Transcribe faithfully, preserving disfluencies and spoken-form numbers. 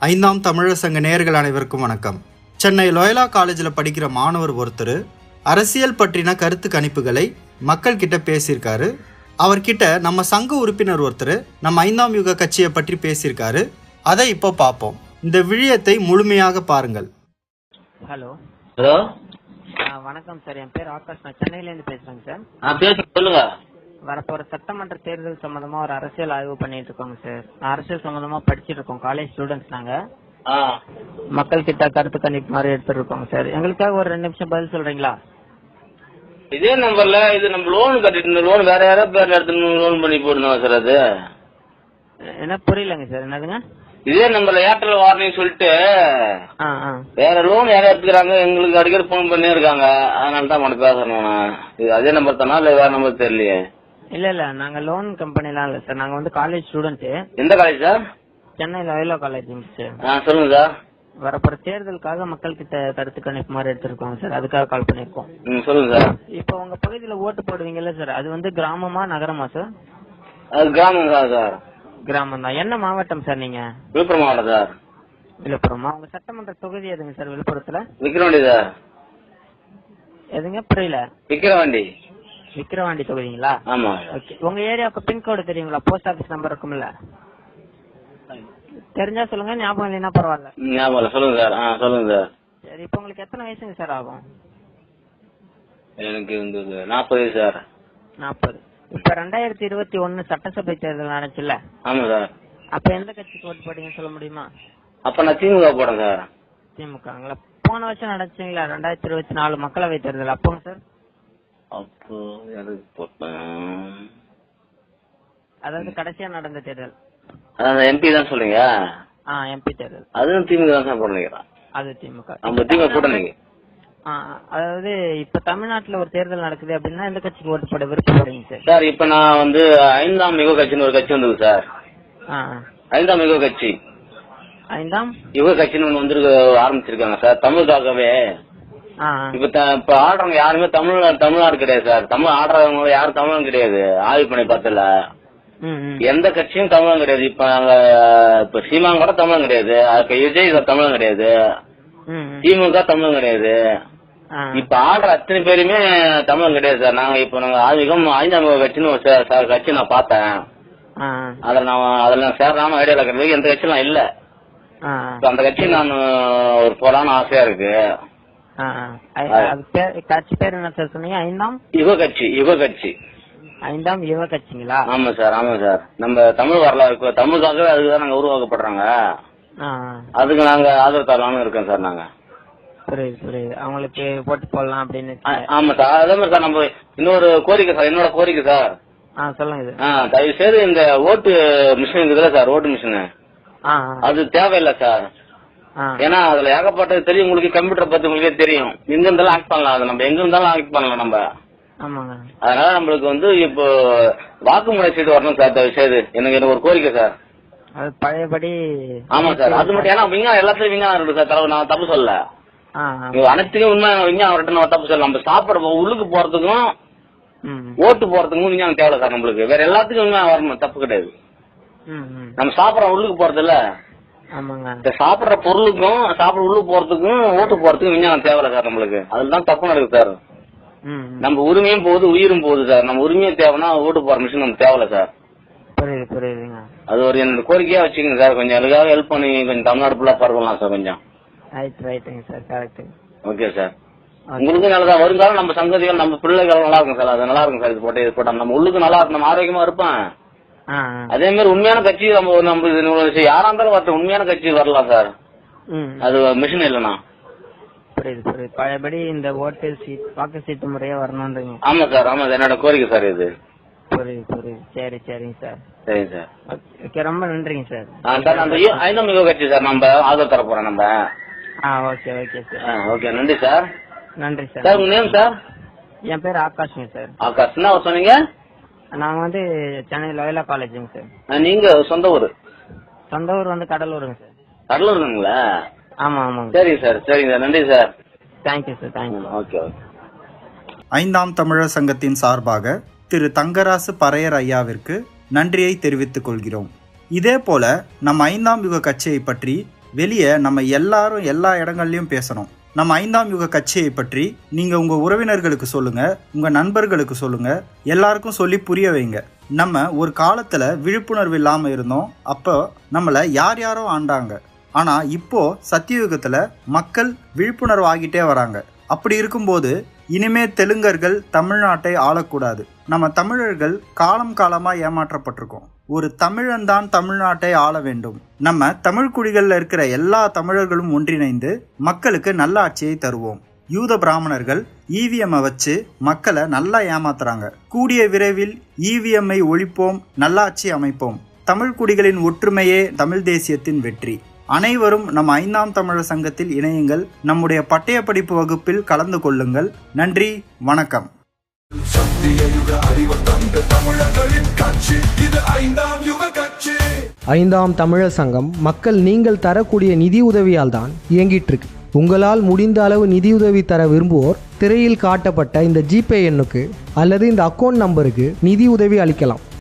ஐந்தாம் தமிழர் சங்க நேயர்கள் அனைவருக்கும் வணக்கம். சென்னை லோயலா காலேஜில் படிக்கிற மாணவர் ஒருத்தர் அரசியல் பற்றின கருத்து கணிப்புகளை மக்கள் கிட்ட பேசியிருக்காரு. அவர்கிட்ட நம்ம சங்க உறுப்பினர் ஒருத்தர் நம்ம ஐந்தாம் யுக கட்சியை பற்றி பேசியிருக்காரு. அதை இப்போ பார்ப்போம். இந்த விழியத்தை முழுமையாக பாருங்கள். ஹலோ ஹலோ வணக்கம் சார். என் பேர் ஆகாஷ். நான் சென்னையிலேருந்து பேசுறேங்க சார். ஆ பேச சொல்லுங்க. வரப்போற சட்டமன்ற தேர்தல் சம்பந்தமா ஒரு அரசியல் ஆய்வு பண்ணிட்டு இருக்கோங்க சார். அரசியல் சம்பந்தமா படிச்சுட்டு இருக்கோம். காலேஜ் ஸ்டூடெண்ட்ஸ் நாங்க. மக்கள் கிட்ட கருத்து கணிப்பு மாதிரி எடுத்துட்டு இருக்கோங்க சார். எங்களுக்காக ஒரு ரெண்டு நிமிஷம் பதில் சொல்றீங்களா? இதே நம்பர்ல இது நம்ம லோன் கட்டிட்டு லோன் வேற யாராவது பேர்ல எடுத்து லோன் பண்ணி போடணும் சார். அது என்ன புரியலங்க சார். என்னதுங்க? இதே நம்பர்ல ஏர்டெல் வார்னிங் சொல்லிட்டு வேற லோன் யாரும் எடுத்துக்கிறாங்க. எங்களுக்கு அடிக்கடி போன் பண்ணி இருக்காங்க. அதனால தான் உனக்கு பேசணும். இது அதே நம்பர் தானா இல்ல வேற நம்பர் தெரியலையே. இல்ல இல்ல நாங்க லோன் கம்பெனிலாம் இல்ல சார். நாங்க வந்து காலேஜ் ஸ்டூடெண்ட். எந்த college sir? Chennai Loyola college sir. சொல்லுங்க சார். வரப்போற தேர்தலுக்காக மக்கள் கிட்ட கருத்து கணிப்பு மாதிரி எடுத்திருக்கோம் சார். அதுக்காக கால் பண்ணிருக்கோம். சொல்லுங்க சார். இப்ப உங்க பகுதியில ஓட்டு போடுவீங்கல்ல சார், அது வந்து கிராமமா நகரமா சார்? அது கிராமம் தான் சார். கிராமம் தான். என்ன மாவட்டம் சார் நீங்க? விழுப்புரம் மாவட்டம் சார். விழுப்புரமா? உங்க சட்டமன்ற தொகுதி எதுங்க சார் விழுப்புரத்துல? விக்கிரவாண்டி சார். எதுங்க? புரியல. விக்கிரவாண்டி. விக்கிரவாண்டி தொகுதிங்களா? ஆமா. ஓகே. உங்க ஏரியாவுக்கு பின்கோடு தெரியுங்களா? போஸ்ட் ஆபீஸ் நம்பர் இருக்கும்ல? தெரிஞ்சா சொல்லுங்க, ஞாபகம் இல்லைன்னா பரவாயில்ல. ஞாபகம் சொல்லுங்க சார். ஆ சொல்லுங்க சார். சரி, இப்ப உங்களுக்கு எத்தனை வயசுங்க சார் ஆகும்? எனக்கு வந்து நாற்பது சார். நாற்பது. இப்ப ரெண்டாயிரத்தி இருபத்தி ஒன்னு சட்டசபை தேர்தல் நடந்துச்சுல்ல? ஆமா சார். அப்ப எந்த கட்சிக்கு ஓட்டு போட்டீங்கன்னு சொல்ல முடியுமா? அப்ப நான் திமுக போறேன் சார். திமுகங்களா? போன வருஷம் நடந்துச்சுங்களா ரெண்டாயிரத்தி இருபத்தி நாலு மக்களவை தேர்தல்? அப்போங்க சார்? அப்போ எதுக்கு போட்டேன்? அதாவது கடைசியா நடந்த தேர்தல். அதான் எம்பி தான் சொல்றீங்க? ஆ, எம்பி தேர்தல். அதுவும் திமுக தான் சார் போடுறீங்க? அது திமுக. நம்ம திமுக போடுறீங்க. அதாவது இப்ப தமிழ்நாட்டுல ஒரு தேர்தல் நடக்குது அப்படின்னா எந்த கட்சிக்கு ஓட்டு போட விருப்பப்படுறீங்க சார்? சார் இப்ப நான் வந்து ஐந்தாம் யுக கட்சின்னு ஒரு கட்சி வந்தது சார். ஐந்தாம் யுக கட்சி. ஐந்தாம் யுக கட்சின்னு ஒண்ணு வந்து ஆரம்பிச்சிருக்காங்க சார் தமிழுக்காகவே. இப்ப இப்ப ஆடுறவங்க யாருமே தமிழ் தமிழ்நாடு கிடையாது சார். தமிழ் ஆடுறவங்க யாரும் தமிழும் கிடையாது. ஆய்வு பண்ணி பார்த்தல எந்த கட்சியும் தமிழும் கிடையாது. இப்ப நாங்க இப்ப சீமான் கூட தமிழும் கிடையாது. அதுக்கு விஜய் தமிழும் கிடையாது. திமுக தமிழும் கிடையாது. இப்ப ஆடுற அத்தனை பேருமே தமிழும் கிடையாது சார். நாங்க இப்ப நாங்க ஆதிகம் ஐந்தாம் கட்சின்னு ஒரு கட்சி நான் பார்த்தேன். அதுல நான் அதுல நான் சேரலாம ஐடியா இருக்கிறதுக்கு எந்த கட்சியும் இல்ல. அந்த கட்சி நான் ஒரு போலான்னு ஆசையா இருக்கு. கட்சி பேர் என்ன சார் சொன்னீங்க? ஐந்தாம் யுக கட்சி. யுக கட்சி. ஐந்தாம் யுக கட்சிங்களா? ஆமா சார். ஆமா சார். நம்ம தமிழ் வரலாறு தமிழுக்காகவே அதுக்குதான் நாங்க உருவாக்கப்படுறாங்க. அதுக்கு நாங்க ஆதரவு தரலாம்னு இருக்கோம் சார். நாங்க புரியுது புரியுது. அவங்களுக்கு போட்டு போடலாம் அப்படின்னு. ஆமா சார். அதே மாதிரி சார் நம்ம இன்னொரு கோரிக்கை சார். என்னோட கோரிக்கை சார். சொல்லுங்க. தயவு செய்து இந்த ஓட்டு மிஷின் இருக்குதுல்ல சார், ஓட்டு மிஷின் அது தேவையில்லை சார். ஏன்னா அதுல ஏகப்பட்டது தெரியும். உங்களுக்கு கம்ப்யூட்டர் பத்தி உங்களுக்கே தெரியும். எங்க இருந்தாலும் ஆக்ட் பண்ணலாம். அது நம்ம எங்க இருந்தாலும் ஆக்ட் பண்ணலாம் நம்ம. அதனால நம்மளுக்கு வந்து இப்போ வாக்குமுறை செய்து வரணும் சார். தயவு செய்து எனக்கு எனக்கு ஒரு கோரிக்கை சார். அது பழையபடி. ஆமா சார். அது மட்டும் ஏன்னா விஞ்ஞானம் எல்லாத்துலயும் விஞ்ஞானம் இருக்கு சார். தலைவர் நான் தப்பு சொல்ல. அனைத்துக்கும் உண்மை விஞ்ஞானம் வரட்டும். நம்ம தப்பு சொல்ல. நம்ம சாப்பிட உள்ளுக்கு போறதுக்கும் ஓட்டு போறதுக்கும் விஞ்ஞானம் தேவை சார். நம்மளுக்கு வேற எல்லாத்துக்கும் விஞ்ஞானம் வரணும். தப்பு கிடையாது. நம்ம சாப்பிடற உள்ளுக்கு போறது இல்ல. சாப்பிடுற பொருளுக்கும் சாப்பிட உள்ளுக்கு போறதுக்கும் ஓட்டு போறதுக்கும் விஞ்ஞானம் தேவை சார். நம்மளுக்கு அதுதான் தப்பு நடக்குது சார். நம்ம உரிமையும் போகுது, உயிரும் போகுது சார். நம்ம உரிமையும் தேவைன்னா ஓட்டு போற மிஷின் நமக்கு தேவையில்ல சார். புரியுது புரியுதுங்க. அது ஒரு என்னோட கோரிக்கையா வச்சுக்கோங்க சார். கொஞ்சம் அதுக்காக ஹெல்ப் பண்ணி கொஞ்சம் தமிழ்நாடு ஃபுல்லா பரவலாம் சார் கொஞ்சம். Okay sir. உங்களுக்கு நல்லதான். வருங்காலம் நம்ம சங்கதிகள் நம்ம பிள்ளைகள் நல்லா இருக்கும் சார். அது நல்லா இருக்கும் சார். இது போட்டு இது போட்டா நம்ம உள்ளுக்கு நல்லா இருக்கும். நம்ம ஆரோக்கியமா இருப்பேன். அதே மாதிரி உண்மையான கட்சி நம்ம நம்ம யாரா இருந்தாலும் வரட்டும், உண்மையான கட்சி வரலாம் சார். அது மிஷின் இல்லைண்ணா. புரியுது புரியுது. பழையபடி இந்த ஓட்டு சீட் வாக்கு சீட்டு முறையா வரணும்ன்றீங்க? ஆமா சார். ஆமா சார். என்னோட கோரிக்கை சார் இது. புரியுது புரியுது. சரி சரிங்க சார். சரிங்க சார். ஓகே, ரொம்ப நன்றிங்க சார். சார் அந்த ஐந்தாம் யுக கட்சி சார் நம்ம ஆதரவு தர போறோம் நம்ம. Okay okay sir. ஓகே நன்றி சார். நன்றி சார். சார் உங்க நேம் சார்? என் பேர் ஆகாஷ்ங்க சார். ஆகாஷ். என்ன சொன்னீங்க? நாங்க வந்து சென்னை லோயலா காலேஜுங்க சார். நீங்க சொந்த ஊர்? சொந்த ஊர் வந்து கடலூருங்க சார். கடலூருங்களா? ஆமா ஆமாங்க. சரிங்க சார். சரிங்க சார். நன்றி sir. Thank you sir. Thank you. Okay okay. ஐந்தாம் தமிழர் சங்கத்தின் சார்பாக திரு தங்கராசு பறையர் ஐயாவிற்கு நன்றியை தெரிவித்துக் கொள்கிறோம். இதே போல நம் ஐந்தாம் யுக கட்சியை பற்றி வெளியே நம்ம எல்லாரும் எல்லா இடங்கள்லையும் பேசணும். நம்ம ஐந்தாம் யுக கட்சியை பற்றி நீங்கள் உங்கள் உறவினர்களுக்கு சொல்லுங்கள், உங்கள் நண்பர்களுக்கு சொல்லுங்கள், எல்லாருக்கும் சொல்லி புரிய வைங்க. நம்ம ஒரு காலத்தில் விழிப்புணர்வு இல்லாமல் இருந்தோம். அப்போ நம்மளை யார் யாரோ ஆண்டாங்க. ஆனால் இப்போ சத்தியுகத்தில் மக்கள் விழிப்புணர்வு ஆகிட்டே வராங்க. அப்படி இருக்கும்போது இனிமே தெலுங்கர்கள் தமிழ்நாட்டை ஆளக்கூடாது. நம்ம தமிழர்கள் காலம் காலமாக ஏமாற்றப்பட்டிருக்கோம். ஒரு தமிழன் தான் தமிழ்நாட்டை ஆள வேண்டும். நம்ம தமிழ் குடிகளில் இருக்கிற எல்லா தமிழர்களும் ஒன்றிணைந்து மக்களுக்கு நல்ல ஆட்சியை தருவோம். யூத பிராமணர்கள் ஈவிஎம்மை வச்சு மக்களை நல்லா ஏமாத்துறாங்க. கூடிய விரைவில் ஈவிஎம்ஐ ஒழிப்போம், நல்லாட்சி அமைப்போம். தமிழ் குடிகளின் ஒற்றுமையே தமிழ் தேசியத்தின் வெற்றி. அனைவரும் நம்ம ஐந்தாம் தமிழர் சங்கத்தில் இணையுங்கள். நம்முடைய பட்டய படிப்பு வகுப்பில் கலந்து கொள்ளுங்கள். நன்றி, வணக்கம். ஐந்தாம் தமிழர் சங்கம் மக்கள் நீங்கள் தரக்கூடிய நிதி உதவியால் தான் இயங்கிட்டு இருக்கு. உங்களால் முடிந்த அளவு நிதியுதவி தர விரும்புவோர் திரையில் காட்டப்பட்ட இந்த ஜிபே எண்ணுக்கு அல்லது இந்த அக்கௌண்ட் நம்பருக்கு நிதி உதவி அளிக்கலாம்.